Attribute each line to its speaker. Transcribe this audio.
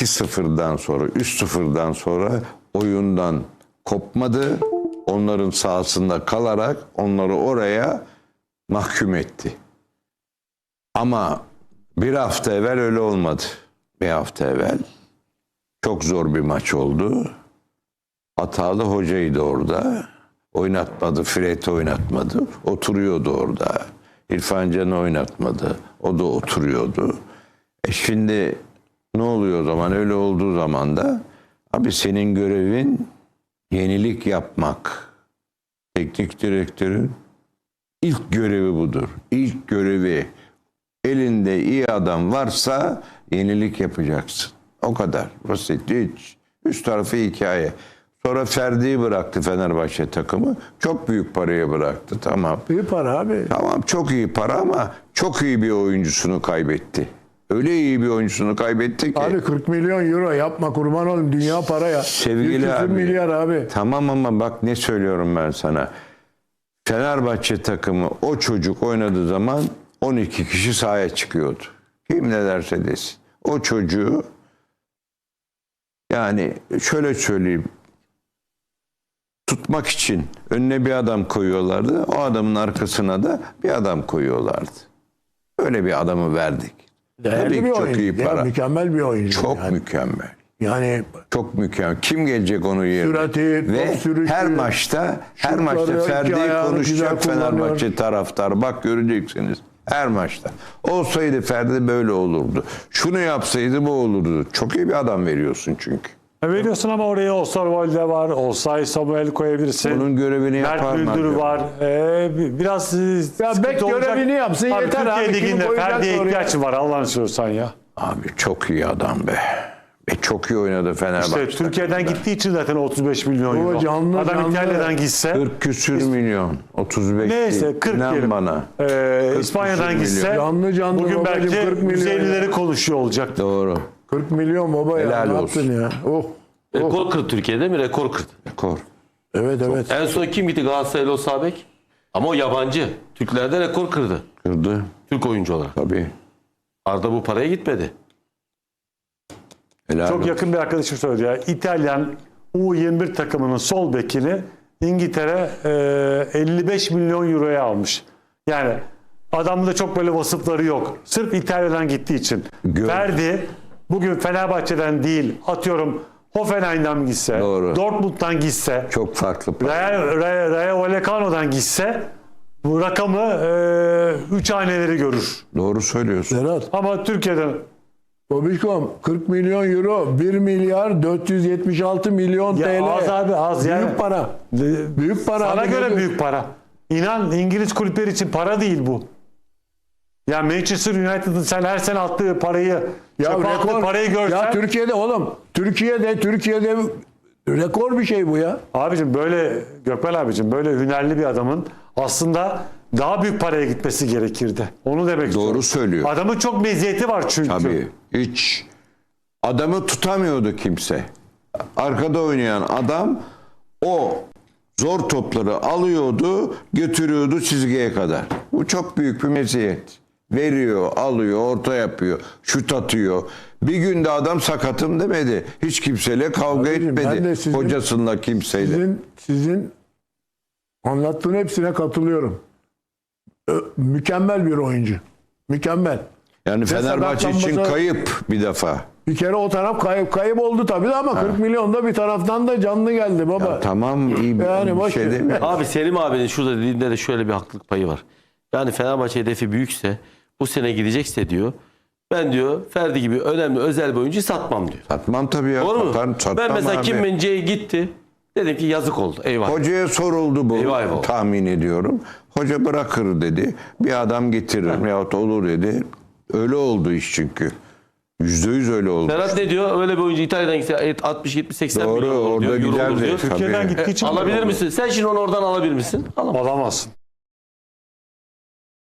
Speaker 1: 2-0'dan sonra, 3-0'dan sonra oyundan kopmadı. Onların sahasında kalarak onları oraya mahkum etti. Ama bir hafta evvel öyle olmadı. Bir hafta evvel çok zor bir maç oldu. Hatalı hocaydı orada. Oynatmadı, Fred'i oynatmadı. Oturuyordu orada. İrfan Can'ı oynatmadı. O da oturuyordu. Şimdi ne oluyor o zaman? Öyle olduğu zaman da abi senin görevin yenilik yapmak. Teknik direktörün ilk görevi budur. İlk görevi. Elinde iyi adam varsa yenilik yapacaksın. O kadar basit. Hiç. Üst tarafı hikaye. Sonra Ferdi'yi bıraktı Fenerbahçe takımı. Çok büyük paraya bıraktı. Tamam.
Speaker 2: Büyük para abi.
Speaker 1: Tamam, çok iyi para ama çok iyi bir oyuncusunu kaybetti. Öyle iyi bir oyuncusunu kaybetti ki.
Speaker 2: Abi 40 milyon euro yapma kurban olayım. Dünya para ya.
Speaker 1: Sevgili abi.
Speaker 2: Milyar abi.
Speaker 1: Tamam ama bak ne söylüyorum ben sana. Fenerbahçe takımı o çocuk oynadığı zaman 12 kişi sahaya çıkıyordu. Kim ne derse desin. O çocuğu yani şöyle söyleyeyim. Tutmak için önüne bir adam koyuyorlardı. O adamın arkasına da bir adam koyuyorlardı. Öyle bir adamı verdik.
Speaker 2: Değerli bir
Speaker 1: çok
Speaker 2: oyuncu.
Speaker 1: iyi para.
Speaker 2: Mükemmel bir oyuncu.
Speaker 1: Çok
Speaker 2: yani.
Speaker 1: mükemmel.
Speaker 2: Yani
Speaker 1: Çok mükemmel. Kim gelecek onun yerine?
Speaker 2: Sürati,
Speaker 1: ve
Speaker 2: top sürüşü,
Speaker 1: her maçta
Speaker 2: şutları, iki
Speaker 1: Ferdi'yi
Speaker 2: ayağını
Speaker 1: konuşacak
Speaker 2: güzel
Speaker 1: Fenerbahçe
Speaker 2: kullanıyor.
Speaker 1: taraftarı. Bak göreceksiniz. Her maçta. Olsaydı Ferdi böyle olurdu. Şunu yapsaydı bu olurdu. Çok iyi bir adam veriyorsun çünkü.
Speaker 3: Veriyorsun ama oraya Osterwolde var, Osay Samuel koyabilirsin.
Speaker 1: Onun görevini yapar
Speaker 3: Mert Müldür
Speaker 1: mı?
Speaker 3: var. Biraz
Speaker 2: ya bek görevini yapsın
Speaker 3: abi,
Speaker 2: yeter abi.
Speaker 3: Türkiye Ligi'nde Ferdi'ye
Speaker 2: oraya.
Speaker 3: ihtiyaç var Allah'ını seversen ya.
Speaker 1: Abi çok iyi adam be. Çok iyi oynadı Fenerbahçe.
Speaker 3: İşte Türkiye'den gittiği için zaten 35 milyon euro.
Speaker 2: canlı,
Speaker 3: Adam
Speaker 2: canlı.
Speaker 3: İtalya'dan gitse
Speaker 1: 40 küsür milyon. 35
Speaker 3: neyse
Speaker 1: değil.
Speaker 3: 40
Speaker 1: İnan
Speaker 3: diyelim.
Speaker 1: bana.
Speaker 3: İspanya'dan
Speaker 1: küsür
Speaker 3: gitse
Speaker 1: milyon.
Speaker 2: Canlı
Speaker 3: bugün
Speaker 2: babacım,
Speaker 3: belki
Speaker 2: 40 milyon
Speaker 3: 150'leri
Speaker 2: ya.
Speaker 3: konuşuyor olacak.
Speaker 1: Doğru.
Speaker 2: 40 milyon baba ya.
Speaker 1: Helal
Speaker 2: Ne
Speaker 1: olsun.
Speaker 2: yaptın ya? Oh.
Speaker 4: Rekor kırdı Türkiye'de mi? Rekor kırdı.
Speaker 1: Rekor.
Speaker 2: Evet.
Speaker 4: En son kim gitti Galatasaraylı o sağ bek? Ama o yabancı. Türklerde rekor kırdı.
Speaker 1: Kırdı.
Speaker 4: Türk oyuncu olarak.
Speaker 1: Tabii.
Speaker 4: Arda bu paraya gitmedi.
Speaker 1: Helal
Speaker 3: Çok
Speaker 1: olsun.
Speaker 3: yakın bir arkadaşım söyledi ya. İtalyan U21 takımının sol bekini İngiltere 55 milyon euroya almış. Yani adamın da çok böyle vasıfları yok. Sırf İtalya'dan gittiği için. Ferdi bugün Fenerbahçe'den değil, atıyorum Hoffenheim'den gitse,
Speaker 1: Doğru.
Speaker 3: Dortmund'dan gitse,
Speaker 1: Çok farklı.
Speaker 3: Rayo Vallecano'dan gitse bu rakamı 3 haneleri görür.
Speaker 1: Doğru söylüyorsun.
Speaker 2: Serhat.
Speaker 3: Ama Türkiye'den
Speaker 2: Babişkom 40 milyon euro 1 milyar 476 milyon
Speaker 3: ya
Speaker 2: TL.
Speaker 3: az abi az
Speaker 2: Büyük
Speaker 3: yani.
Speaker 2: para. Büyük para.
Speaker 3: Sana
Speaker 2: abi,
Speaker 3: göre
Speaker 2: ne
Speaker 3: büyük para. İnan İngiliz kulüpleri için para değil bu. Ya Manchester United'ın sen her sene attığı parayı, çöpe attığı parayı görsen.
Speaker 2: Ya Türkiye'de oğlum. Türkiye'de rekor bir şey bu ya.
Speaker 3: Abicim böyle Gökmen abicim böyle hünerli bir adamın aslında daha büyük paraya gitmesi gerekirdi. Onu demek istiyorum.
Speaker 1: Doğru söylüyor.
Speaker 3: Adamın çok meziyeti var çünkü.
Speaker 1: Tabii. Hiç. Adamı tutamıyordu kimse. Arkada oynayan adam o zor topları alıyordu, götürüyordu çizgiye kadar. Bu çok büyük bir meziyet. Veriyor, alıyor, orta yapıyor, şut atıyor. Bir günde adam sakatım demedi. Hiç kimseyle kavga
Speaker 2: Abicim, ben de
Speaker 1: etmedi.
Speaker 2: sizin-
Speaker 1: Hocasıyla kimseyle.
Speaker 2: Sizin anlattığın hepsine katılıyorum. Mükemmel bir oyuncu. Mükemmel.
Speaker 1: Yani Fenerbahçe için
Speaker 2: sakatlanmasa-
Speaker 1: kayıp bir defa.
Speaker 2: Bir kere o taraf kayıp oldu tabii de ama 40 milyon da bir taraftan da canlı geldi baba.
Speaker 1: Ya tamam iyi bir,
Speaker 2: Yani
Speaker 1: bir
Speaker 2: boş
Speaker 1: şey
Speaker 2: ver.
Speaker 1: demiyorum.
Speaker 4: Abi Selim abinin şurada dediğinde de şöyle bir haklılık payı var. Yani Fenerbahçe hedefi büyükse bu sene gidecekse diyor. Ben diyor Ferdi gibi önemli özel bir oyuncu satmam diyor.
Speaker 1: Satmam tabii ya.
Speaker 4: Doğru mu?
Speaker 1: Satmam
Speaker 4: Ben mesela
Speaker 1: abi.
Speaker 4: Kim Min-jae gitti. Dedim ki yazık oldu. Eyvah.
Speaker 1: Hocaya soruldu bu.
Speaker 4: Eyvah eyvah.
Speaker 1: Tahmin ediyorum. Hoca bırakır dedi. Bir adam getiririm yahut olur dedi. Öyle oldu iş çünkü. %100 öyle oldu.
Speaker 4: Serhat ne diyor? Öyle bir oyuncu İtalya'dan gitse 60, 70, 80
Speaker 1: Doğru,
Speaker 4: milyon olur
Speaker 1: orada
Speaker 4: diyor. Euro olur
Speaker 1: giderdi.
Speaker 4: diyor.
Speaker 1: Tabii.
Speaker 3: Türkiye'den gittiği için
Speaker 4: Alabilir misin? Sen şimdi onu oradan alabilir misin? Alamazsın.
Speaker 3: Alamazsın.